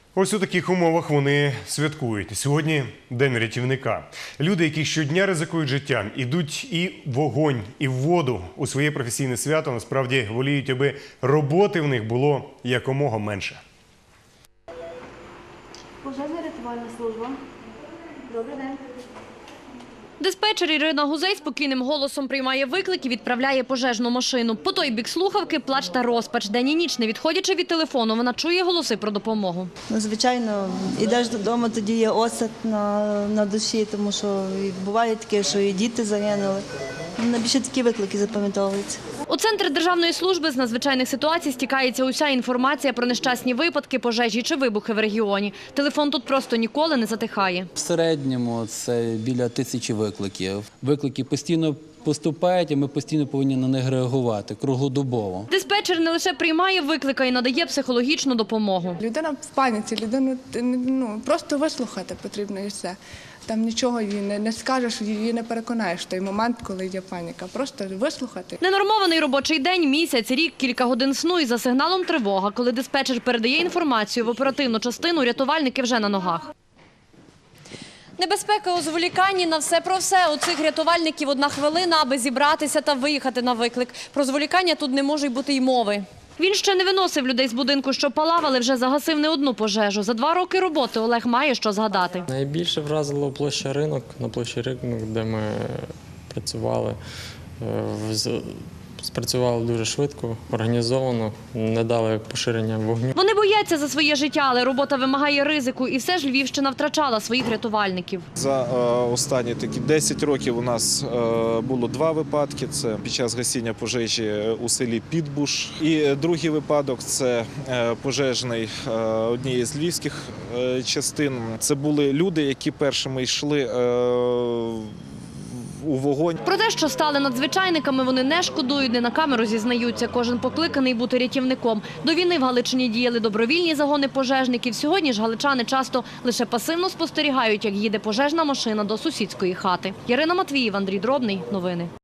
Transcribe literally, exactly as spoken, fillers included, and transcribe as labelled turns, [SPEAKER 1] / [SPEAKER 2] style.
[SPEAKER 1] Ось у таких умовах вони святкують. Сьогодні День рятівника. Люди, які щодня ризикують життям, ідуть і в вогонь, і в воду у своє професійне свято, насправді воліють, аби роботи в них було якомога менше.
[SPEAKER 2] Пожежна рятувальна служба. Добрий день.
[SPEAKER 3] Диспетчер Ірина Гузей спокійним голосом приймає виклик і відправляє пожежну машину. По той бік слухавки – плач та розпач. День і ніч, не відходячи від телефону, вона чує голоси про допомогу.
[SPEAKER 4] Ну, звичайно, йдеш додому, тоді є осад на, на душі, тому що буває таке, що і діти загинули. Найбільше такі виклики запам'ятовуються.
[SPEAKER 3] У Центр Державної служби з надзвичайних ситуацій стікається уся інформація про нещасні випадки, пожежі чи вибухи в регіоні. Телефон тут просто ніколи не затихає.
[SPEAKER 5] В середньому це біля тисячі викликів. Виклики постійно поступають, і ми постійно повинні на них реагувати, круглодобово.
[SPEAKER 3] Диспетчер не лише приймає виклик, а й надає психологічну допомогу.
[SPEAKER 6] Людина в паніці, людину ну, просто вислухати потрібно і все. Там нічого їй не, не скажеш, її не переконаєш в той момент, коли є паніка. Просто вислухати.
[SPEAKER 3] Ненормований робочий день, місяць, рік, кілька годин сну і за сигналом тривога. Коли диспетчер передає інформацію в оперативну частину, рятувальники вже на ногах. Небезпека у зволіканні на все про все. У цих рятувальників одна хвилина, аби зібратися та виїхати на виклик. Про зволікання тут не може й бути й мови. Він ще не виносив людей з будинку, що палав, але вже загасив не одну пожежу. За два роки роботи Олег має що згадати.
[SPEAKER 7] Найбільше вразило площа ринок, на площі ринок, де ми працювали. Спрацювали дуже швидко, організовано, не дали поширення вогню.
[SPEAKER 3] Вони бояться за своє життя, але робота вимагає ризику. І все ж Львівщина втрачала своїх рятувальників.
[SPEAKER 8] За е, останні такі десять років у нас е, було два випадки. Це під час гасіння пожежі у селі Підбуш. І другий випадок – це е, пожежний е, однієї з львівських е, частин. Це були люди, які першими йшли е, у вогонь.
[SPEAKER 3] Про те, що стали надзвичайниками, вони не шкодують, не на камеру зізнаються. Кожен покликаний бути рятівником. До війни в Галичині діяли добровільні загони пожежників. Сьогодні ж галичани часто лише пасивно спостерігають, як їде пожежна машина до сусідської хати. Ярина Матвіїв, Андрій Дробний. Новини.